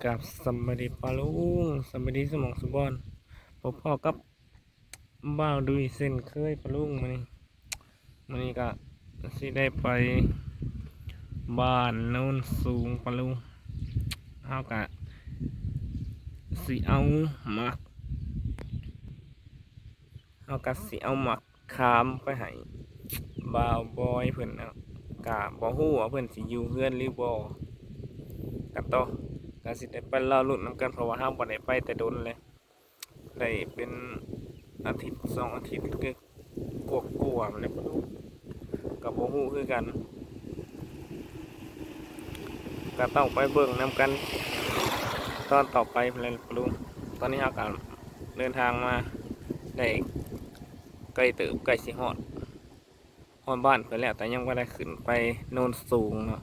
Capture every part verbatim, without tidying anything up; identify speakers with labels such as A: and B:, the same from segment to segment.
A: กับสมบดีปาลุงสมบดีสมองสุบอนพบพ่อกับบ่าวดุยเส้นเคยปาลุงมานี่มานี่ก็สิได้ไปบ้านโน้นสูงปาลุงเฮากะสิเอาหมักเฮากะสิเอาหมักขามไปให้บ่าวบอยเพิ่นเอากะบ่ฮู้ว่าเพิ่นสิอยู่เฮือนหรือบ่กะต่อ ก็สิได้ไปเล่ารุ่นนำกันเพราะว่าห้ามบ่ได้ไปแต่โดนเลยได้เป็นอาทิตย์สองอาทิตย์คือกวบกวมันเลยบ่รู้กับบ่ฮู้คือกันก็ต้องไปเบิ่งนำกันตอนต่อไปเลยบ่รู้ตอนนี้เฮาก็เดินทางมาได้ใกล้ตึกใกล้สิฮอดฮอดบ้านเพิ่นแล้วแต่ยังบ่ได้ขึ้นไปโน่นสูงเนาะ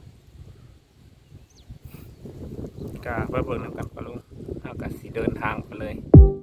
A: กาไปเบิ่งนำกันปะลุงเอากะสิเดินทางไปเลย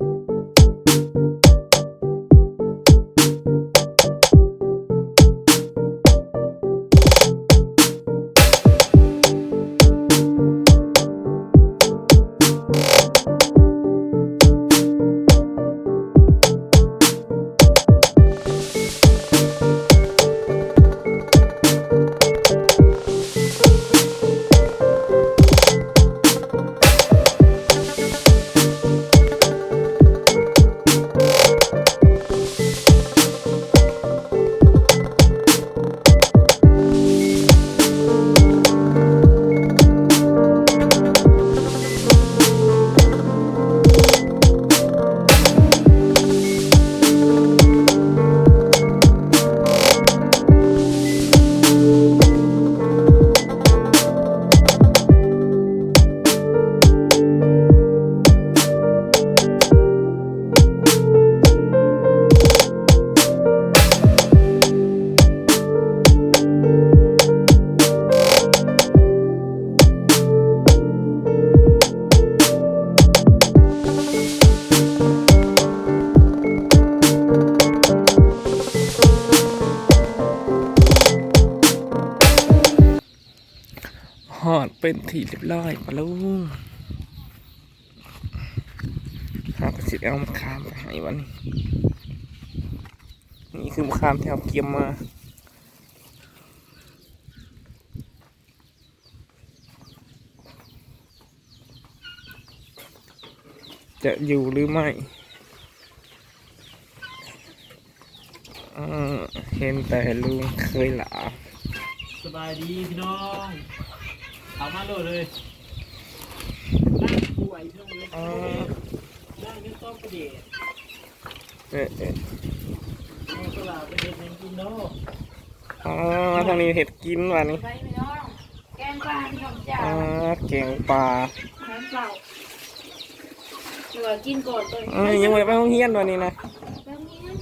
A: ฮอดเป็นที่เรียบร้อยปะลุงเฮาก็สิเอามะขามไปให้วันนี้นี่คือมะขามที่เฮาเก็บมาจะอยู่หรือไม่เห็นแต่ลุงเคยหลา
B: สบายดีพี่น้องเอามาโหลดเลยนั่งป่วยพี่น้องเลยนั่งยังต้องประเดี๋ยว
A: เอ๊ะเอ๊ะ
B: เอาสลาไปเห็ดยังกินเนาะ
A: อ๋อมาทางนี้เห็ดกินวันนี้
C: ไปพี่น้องแกงปลาพี่น้องจ้า
A: อ๋อเก่งปลา
C: แกงเปล่าเดี๋ยวกินก่อนตัว
A: เอ้ยยังไม่ไปห้องเฮียนวันนี้นะ
C: แบบนี้นะ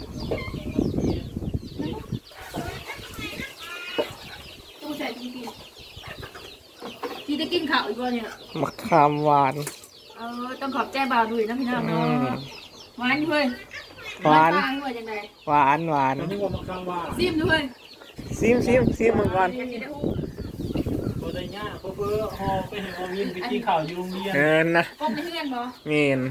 C: ตู้ใส่กินกินที่จะกินข้าวอีกวันเนี่ย
A: มะขามหวาน
C: เออต้องขอบใจบ่าวด้วยนะพี่น้องเนาะหวานด้วย
A: หวาน
C: หวานจังไง
A: หวานหวาน
B: อันนี้ว่ามักข้างว่า
C: ซิมด้วย
A: ซิมซิมซิมมึงก่อน
B: ตัวได้ยากเพราะเพื่อหอไปเห็นหอวินไปกินข้าวอยู่โรงเรียน
A: เอินนะ
C: ก้มไปเพื่อนบ่
A: เมียน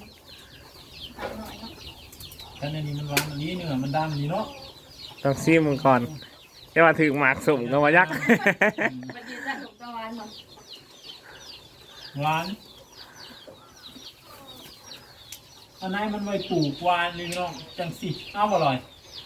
B: ท่านในนี้มันหวานอันนี้เนื้อมันดำดีเนาะ
A: ต้องซิมมึงก่อนจะมาถึงหมากสุ่มก็มายักษ์
C: มันยืนได้ถูกตะวันบ่
B: หวานอันนั้นมันไว้ปลูกหวานเลยพี่น้องจังสิอ้าวอร่อย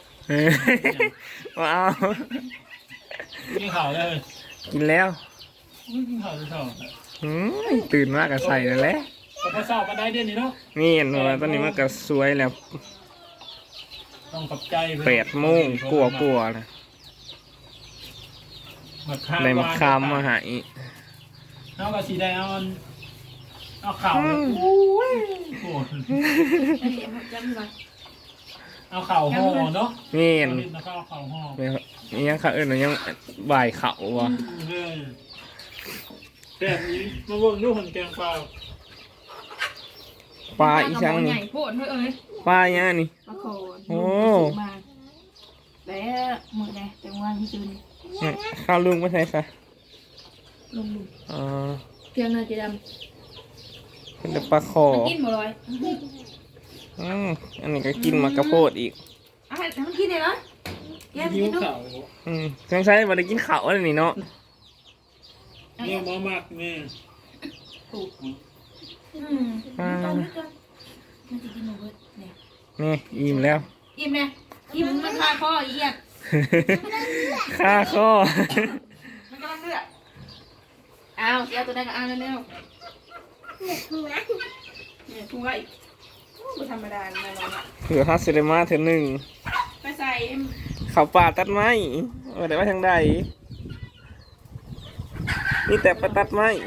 A: ว้าว
B: กินข้าวเลย
A: กินแล้ว
B: กินข้าวจะชอบ
A: ตื่นมากกับใส่แล้วแหละ
B: พอชอบมาได้เดือนนี้เนาะ
A: นี่เห็นว่าตอนนี้มันก็สวยแล้ว
B: ต้องขอบใจ
A: แปดโมงกลัวกลัวนะในมะขามมาหาย
B: เอากระสีแดงเอาเอาข่าวโอ้ยโอ้เอาข่าวห่อเนาะ
A: นี่เห็น
B: เอาข่าวห่อ
A: นี่ยังข่าวอื่นยังบ่ายข่าววะ
B: แบบนี้มาเบิ่งดูหันแกงปลา
A: ปลาอีช่างนี่ปลาเนี่ยนี่โอ้
C: แล้วมือไงแต่วันที่จืน
A: ข้าวลุงไม่ใช่ค่ะ
C: ลุงลุง
A: อ๋อ
C: เพียงเลยจีดำ
A: เป็นแต่ปลาคอ
C: มันกินหมดเลย
A: อืมอันนี้ก็กินมากระโพดอีก
C: เอาให้มันกินเลยเหรอแกม
B: ยิ้
C: กิ
B: วน
C: ดู
B: เข่า
A: อืมสงสัยบ่ได้กินข้าวแล้วนี่เนาะ
B: เนี่ยมามักแม่
C: อืมมันต้องนึกก่อนมันจะกินหมดเลยเนี่ย
A: นี่อิ่มแล้ว
C: อิ่มเนี่ยอิ่มมันคาคออีกอ่ะ
A: ค่าข้อ
C: มันกำลังเลือดเอาเสียตัวได้ก็เอาเร็วๆเนี่ยทุ่งไรเนี่ยทุ่งไรไม่ธรรมดาแน่นอนอ่ะ
A: เผื่อฮัสเซเดมาเธอหนึ่ง
C: ไปใส่
A: เขาป่าตัดไม้ว่าแต่ว่าทางใดนี่แต่ไปตัดไม้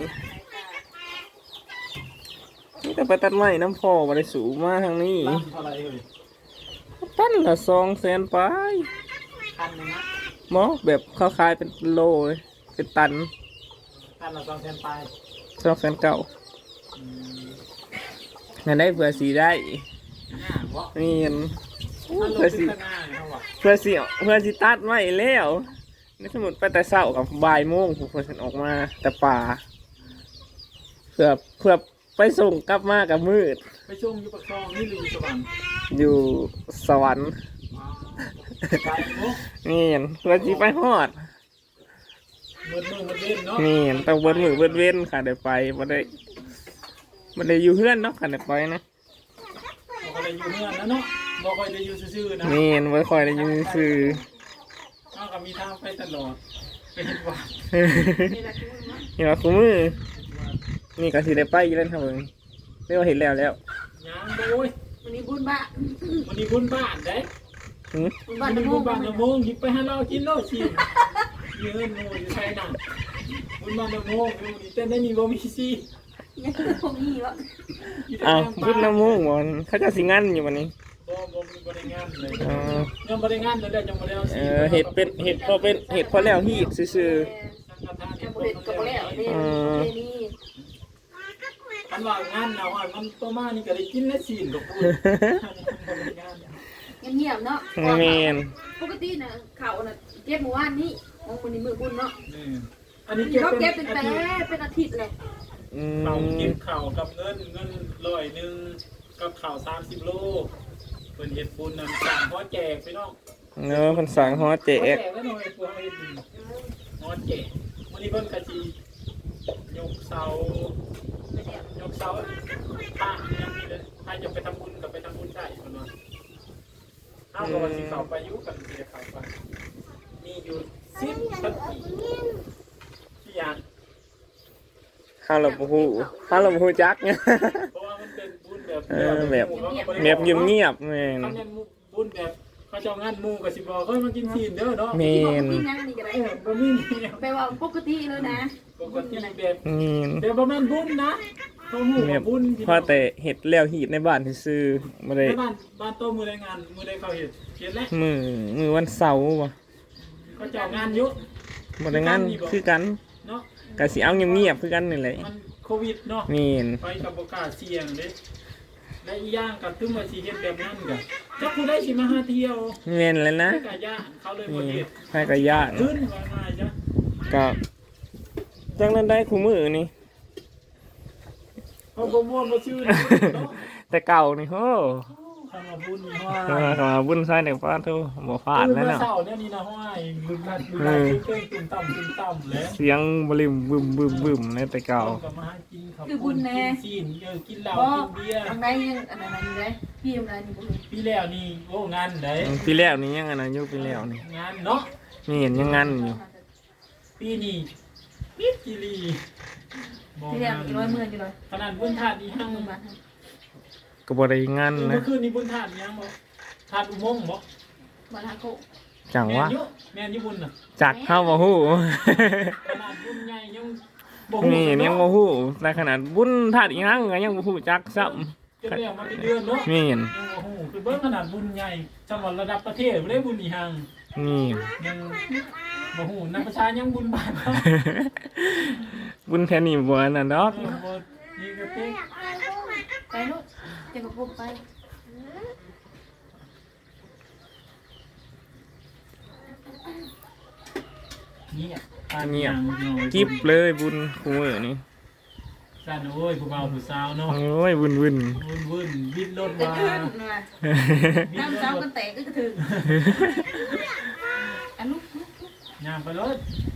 A: นี่แต่ไปตัดไม้น้ำพอมาได้สูงมาทางนี้
B: ล่ำเท่าไรเอ่ย
A: ตั้นละสองแสนไป
B: คันหนึงนะ
A: หมอแบบเขาขายเป็นโลเลยเป็นตัน
B: คันละสองแสนปลาย
A: สองแสนเก่า
B: อืม
A: งั้นได้เผื่อสีได้
B: หน้าเพราะ
A: นี่เห็น
B: มันลง
A: เพื่อ
B: ขึ้
A: สี
B: นข้างหน้าเนี่ยเขาบอก
A: เพื่อสีเพื่อสีตัดไม้แล้วนี่สมมติไปแต่เช้ากับบ่ายโมงผมเพื่อฉันออกมาแต่ป่าเพื่อเพื่อไปส่งกลับมากับมืด
B: ไปช่วงอยุปกครองนี่หรืออยู่สวรรค์
A: อยู่สวรรค์
B: อ๋อไปเนาะ
A: นี่เห็นเพื่อสีไปฮอด
B: มืดมืดมืดเล่นเนาะ
A: นี่เห็นต้องเบิ้ลมือเบิ้ลเว้นค่ะเดี๋ยวไปมาได้มาได้อยู่เพื่อนเนาะค่ะเดี๋ยวไปนะ
B: บอกอะไรอยู่เมื่อนะเนาะบอกคอยจะอยู่ซื่อๆนะ
A: นี่เห็นไว้คอยได้อยู่คือ
B: เอากับมีทางไปตลอดไปเห็นว่า
C: นี่แหละทุ่งนะ
A: เห็นว่าคู่มือนี่ก็สิได้ไปอยู่แล้วทำเองเรียกว่าเห็นแล้วแล้ว
B: ยังโอ้ย
C: วันนี้บุญบ้า
B: วันนี้บุญบ้านได้
A: หืม
C: บุญ
B: วั
C: บ้าน น
B: นี้
C: ตะ
B: บุ
C: มู
B: ญบ้านละโมงหยิบไปให้เรากินโลดชิมมีเงินโมอยู่ใช่นั่นบุญบ้านละโมงอยู่นี่เต้นได้มีบ่มีซี
C: ยังไม่คงมีวะ
A: อ้าวพุทธน้ำมูกบอลเขาจะสิงันอยู่วันนี้
B: บ่บ่มีบริงานเลย
A: เออ
B: ยังบริงานเลยได้จังบ่ได้เอา
A: เอ
B: ซี
A: อเห็ดเป็นเห็ดพอเป็นเห็ดพอแล้วฮีดซื่อ
B: สังฆทาน
C: กั
B: เห็
C: บ
B: ด
C: บุ
B: บ่
C: เรต
B: เขา
C: กับบุเรต
B: แล้ว
C: เนี่ยนี่
B: คันว่างานเอาอ่ะมันตัวมานี่ก็ได้กินและซีนกับพูดบ่บริงาน
C: เงียบๆเนาะ
A: ๆเมน
C: ปกติน่ะเขาน่ะเก็บหมู่บ้านนี้ของมันนี่มือบุญเนาะ
B: นี่อันนี้เก็บ
C: เขา
B: เป็
C: เก็บ
B: น
C: เป็น
B: อา
C: แต่
B: ทิตย์
C: เป็นอาทิตย์เลย
A: อื
B: เรา
A: ม
B: เก็บข่าวกับเงินเงินร้อยหนึ่งกับข่าวสามสิบโลเป็นเห็ดปูนนำสั่งพ่อแจกไปน้อง
A: เนาะคนสั่งฮอแจ
B: พ่อแจ
A: ก
B: กแล้วหน่อยพวกเห็ดพ่อแจกวันนี้เพิ่นกะจียกเสายกเสาป้าเนี่ยมีเลยถ้าอยากไปทำบุญกับไปทำบุญได้คนว่าอ้าวก็สิเข้าไปอยุกันสิจะเข้าไปมีอยู่สิบปฏิที่อย่าง
A: ข้าวหลบหูข้าวหลบหูจักเนี่ย
B: เพราะว่ามันเป็นบุญแบบ
A: เออแบบแบบเงียบเงียบๆเมน
B: เขาเนี่ยบุญแบบเขาเจ้างานหมู่กับสิบอกเฮ้ยมากินซีนเด้อเนาะ
A: เม
C: ที่บอก
A: น
C: พี่นั่งนี่ก็ได้
B: เออบะหมี่เนี่ย
C: แปลว่าปกติเลยนะ
B: ปกติแบบ
A: เมน
B: แบบประมาณบุญนะเขาหมู่
A: แบ
B: กั
A: บบ
B: บุญ
A: พอแต่เห็ดแล้วฮีดในบ้านซื่อๆมาได้
B: ในบ้านบ้านโตมือได้งานมือได้เขาเห็นเขียนแล้ว
A: มือมือวันเสาร์วะ
B: เขาเจ้างานเยอะ
A: มาได้งานคือกัน
B: เนาะ
A: กะสิเอาเงียบๆคือกันนี่แหละ
B: มันโควิดเนาะ
A: เมน
B: ไปกับโอกาสเสี่ยงเด้และอีกอย่างกับตึ้งมาสีเฮ็ดแบบนั้นกับถ้าคุณได้สิมาหาเที่ยว
A: เมนเลยนะ
B: ให้กะย่านเขาเลยบ่
A: นี่
B: เฮ็ด
A: ให้กระย่าน
B: ขึ้นว่าง่ายจ้ะ
A: ก็จังนั้นได้คู่มือนี่
B: เขาบ่ม่วนบ่ชื่อเนาะ
A: แต่เก่านี่โห
B: ทำมาบุญนี่ว่า
A: เออเข้ามาบุญใส่เด็กฟ้าโทบ่ฟาดแล้ว
B: ตื่นมา
A: เนาะ
B: เช้าเนี่ยนี่นะห้อยบึ้มนัดบึ้มนัดเก่งตุ่มต่ำตุ่มต่ำแล้ว
A: เสียงบริมบึมบึมบึมในแต่เก่า
B: กับมาหากินข้าวปุ้นกินซีนเออกินเหล้า
C: บ่
B: กินเบียร์
C: ทางไหนยังอันนั้นนี่เลยพี่ทำงานนี่บุญ
B: ปีแล้วนี่โอ้งานไหน
A: ปีแล้วนี่ยังไงนะยุคปีแล้วนี่
B: งานเนาะ
A: นี่เห็นยังงานอยู่
B: ปีนี้ปิดกิรีบอก
C: พี่เรีย
B: งาก น
C: อีกร้อยหมื่นอยู่เลย
B: ขนาดบุญธาตุนี่ห้าง
C: หมื่นบาท
A: ก็บ่ได้งาน
B: เมื่
A: นะ
B: อคืนนี้บุญธาตุยังบ่ธาตุอุโมงค์บ่
C: บาทฮาโก
A: จัง
B: แม่
A: วะ
B: นอยู่แม่นอยู่บุญน่ะ
A: จักเข้าบ่ฮู้
B: ขนาดบุญใหญ่ยังบ่ฮู้
A: นี่ยังบ่ฮู้แต่ขนาดบุญธาตุอีหยังก็ยังบ่ฮู้จักซ้ำ
B: จะเรียกมาเป็นเดือนเนาะ
A: นี่เห็น
B: ยังบ่ฮู้คือเบิ่งขนาดบุญใหญ่จังหวัดระดับประเทศบ่ได้บุญอีหัง
A: นี่
B: ยังบ่ฮู้นักประชายังบุญบาทเนาะ
A: บุญแค่นี้บ่อันนั้นดอก
B: เออบ่นี่ก็เต๊ก
C: ไปลูกเจะกับปุ๊บไป
B: นี่อ่ะ
A: เงียบ
B: อ่ะ
A: กิบเลยบุญคู่มื้อนี่
B: สั่นโอ้ยผู้บ่าวผู้สาวเนาะ
A: โอ้ยวุ่นวุ่น
B: วุ่นวุ่นบิดรถ
C: จะ
B: มา
C: ขึ้นมา
B: บิด
C: น้ำ
B: ร
C: เช้า
B: ถ
C: กันแตกก็กระถึงอันลูกลูกลูก
B: ย่างไปรถ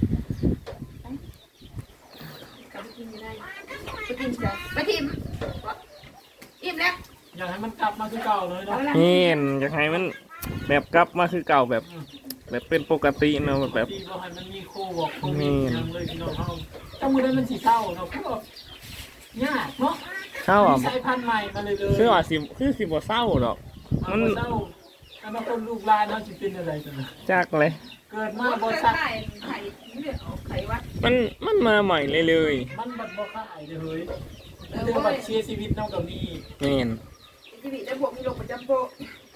C: กลับไปกินไม่ได้ไปกินจ้ะไปทิมอิ่มแล้ว
B: อยากให้มันกลับมาคือเก่าเลยเนาะ
A: เห็นอยากให้มันแบบกลับมาคือเก่าแบบ แบบเป็นปกติเนาะแบบ
B: ที่บ่ให้มันมีโควิดโควิดยังเลยพี่น้องเฮาถ้ามื้อนั้นมันสิเศร้าเนาะคือแบบยากเนาะ
A: เข้าอ่ะ
B: มีสายพันธุ์ใหม่มาเลยเลย
A: คือว่าสิคือสิบ่เศร้าหรอก
B: มันเศร้าอนาคตลูกหลานเฮาสิเป็นอะไรกันนะ
A: จักเลย
B: เกิดมา
C: มัน
B: บ่
C: ไข่
B: ซัก
C: ไข่ไข่เลือดออกไข่วัด
A: มันมันมาใหม่เลยเลย
B: มันบัดบ่คายเด้อเฮ้ยเดี๋ยวบัดเสียชีวิตเนาะกับนี่
A: แม่น
C: ชีวิตแล้วพวกมีโรคประจำตัว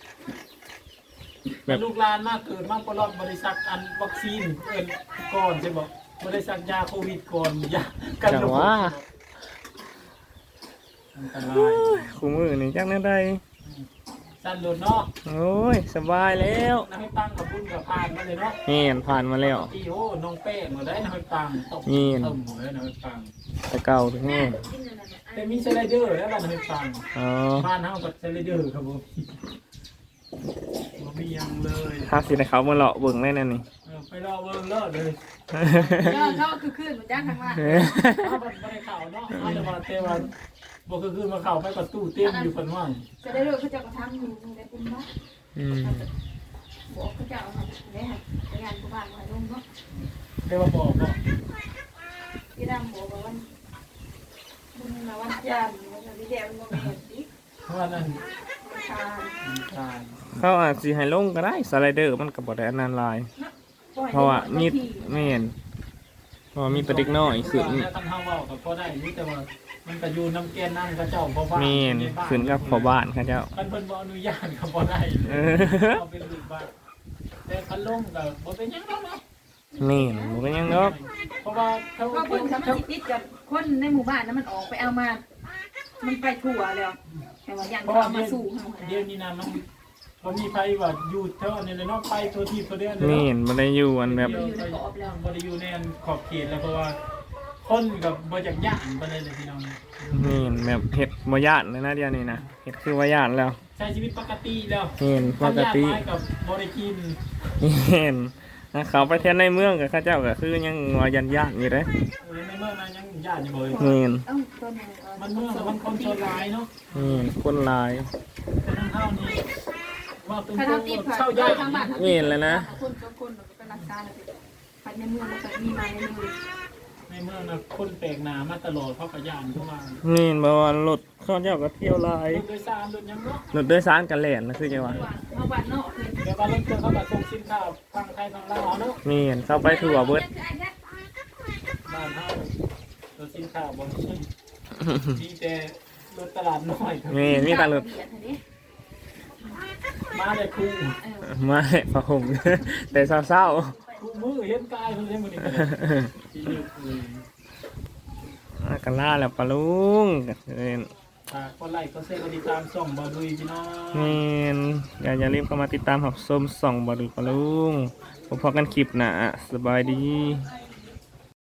A: แบบ
B: ลูกหลานมาเกิดมาบ่รอดบ่ได้ซักอันวัคซีนเอิ้นก่อนใช่บ่บ่ได้ซักยาโควิดก่อนยากัน
A: จัง
B: โรค
A: ว่า
B: อันตราย
A: คู่มือนี่จักแน่ได้
B: สั้นโดนเนาะ
A: โอ้ยสบายแล้ว
B: น้ำให้ปังกับบุญกับพานมาเลยเนาะ
A: แม่นผ่านมาแล้ว
B: อีโอ้น้องเป้มาได้น้ำให้ปังตก
A: นี่
B: เติมหมดเลยน้ำให้ปัง
A: แต่เก่าถึงแม่
B: แต่มีสไลเดอร์แล้วน้ำให้ปัง
A: อ๋อ
B: บ้านเฮากับสไลเดอร์ครับผมบ่มียังเลย
A: ถ้าสิได้เขามาเลาะเบิ่งได้นั่นนี่
B: เออไปรอเบิ่งเลิศเลย
C: ก็ก็คือขึ้นมันจ้างข้างล่าง
B: เอาบัดบ่ได้เข้าเนาะเอาแต่ว่าแต่ว่าบ่คือคือมาเข้าไปประตูเต็มอยู่เพิ่นว่า
C: จะได้รู้เขาจะกระทำอยู่ในกลุ่มเนาะ
A: อืม
C: บอกเขาจะเอาได้ค่ะงานกูบ้านมาลงเนาะ
B: ได้ว่าบอกเนาะ
C: ที่ดำบอกว่าวันมึงมาวันจันทร์วันที่เดียวมึงมาเห็นดิ
B: เพราะว่านั่น
C: วันคาน
B: ตาย
A: เขาอาจสิให้ลงก็ได้สไลเดอร์มันก็บ่ได้อันนั้นหลาย เพราะว่ามีแม่นเพราะว่ามีแตะเด็กน้อยขึ้น
B: แล้วทำเฮาเว้าก็พอได้อยู่แต่ว่ามันก็อยู่น้ำแกนนั่นก็เจ้าพ่อบ้าน
A: แม่นขึ้นกับพ่อบ้านเขาเจ้า
B: คันเพิ่นบ่อนุญาตก็บ่ได้
A: เออ
B: เอาเป็นลูกบ้านแต่คันลงก็บ่เป็นหยังดอกเนาะ
A: แม่นบ่เป็นหยังดอก
B: เพราะว่าเขา
C: ก็เพิ่งทำมันติดกับคนในหมู่บ้านนั้นมันออกไปเอามา มันไปทั่วแล้วแต่ว่าอย่าง
B: เพราะ
C: เขา
B: ว่า
C: เอามา
B: เดี๋ยว
C: สู่เขา
B: เดี๋ยวนี้นะมันบ่มีไผว่าอยู่เท่านี้เลยเนาะไปตัวที่ตัวเดือนเลย
A: แม่
B: เนาะ
A: นบ่ได้อยู่อันแบบ
C: อยู่ในกรอบแล้ว
B: บ่ได้อยู่ในอันขอบเขตแล้วเพราะว่าคนกับบ่จักย่านปานใดเลยพี่น้อง
A: แม่นแบบเฮ็ดบ่ย่านเลยนะเดี๋ยวนี้นะเฮ็ดคือว่าย่านแล้ว
B: ใช้ชีวิตปกติแล้ว
A: แม่นปกติ
B: ทำยาไม้กับบ่ได้กิน
A: แม่นถ้าเขาไปเที่ยวในเมืองกับเขาเจ้าก็คือยังว่ายันย่านอยู่เด้
B: เออในเมืองนั้นยังย่านอยู่บ่เลย
A: แม่น
C: เอ้าตัวไหน
B: มันเมืองมันคนชนหลายเนาะ
A: แม่นคนหลาย
B: แต่ทางเฮานี่ว่าตรง
C: ถ้า
B: ๆ
C: เราติด
B: เช่าย่าน
C: ทางบ้าน
A: แม่นแล้วนะ
C: คนก็คนก็รักษาแล้วไปในเมืองมันก็มีมาในเมือง
B: ในเมืองน่ะคนแปลกหน้ามาตลอดเพราะก็ย่านเข้ามา
A: แม่นบ่ว่ารถเขาเจ้าก็เที่ยวหลาย
B: รถโดยสารรถหยังเนาะ
A: รถโดยสารกันแล่นนะคือจังว่า
C: มาบ้านนอกเลย
B: เดี๋ยวว่ารถเครื่องเขาก็ส่งสินค้าทางไทยทางลาวเนาะ
A: แม่นเข้าไปทั่วเบิด
B: บ้านเฮารถสินค้าบ่มีมีแต่รถตลาดน้อยครับ
A: แม่นมีแตารถ
B: มาเลยครู
A: มาให้พระห่ม แต่เศร้า
B: ครูมือเห็นกายเพิ่นเห็นมื้อนี้ก็ได้ที่นี่คือ
A: ๆอ่ะกันล่าแล้วปะลุงก็เอิ้น
B: ฝากกดไลค์กดแชร์กดติดตามช่องบ่าวดุยพี่น้อง
A: แม่นอย่าอย่าลืมเข้ามาติดตามรับชมส่องบ่ดูปะลุงพบกันคลิปหน้าสบายดี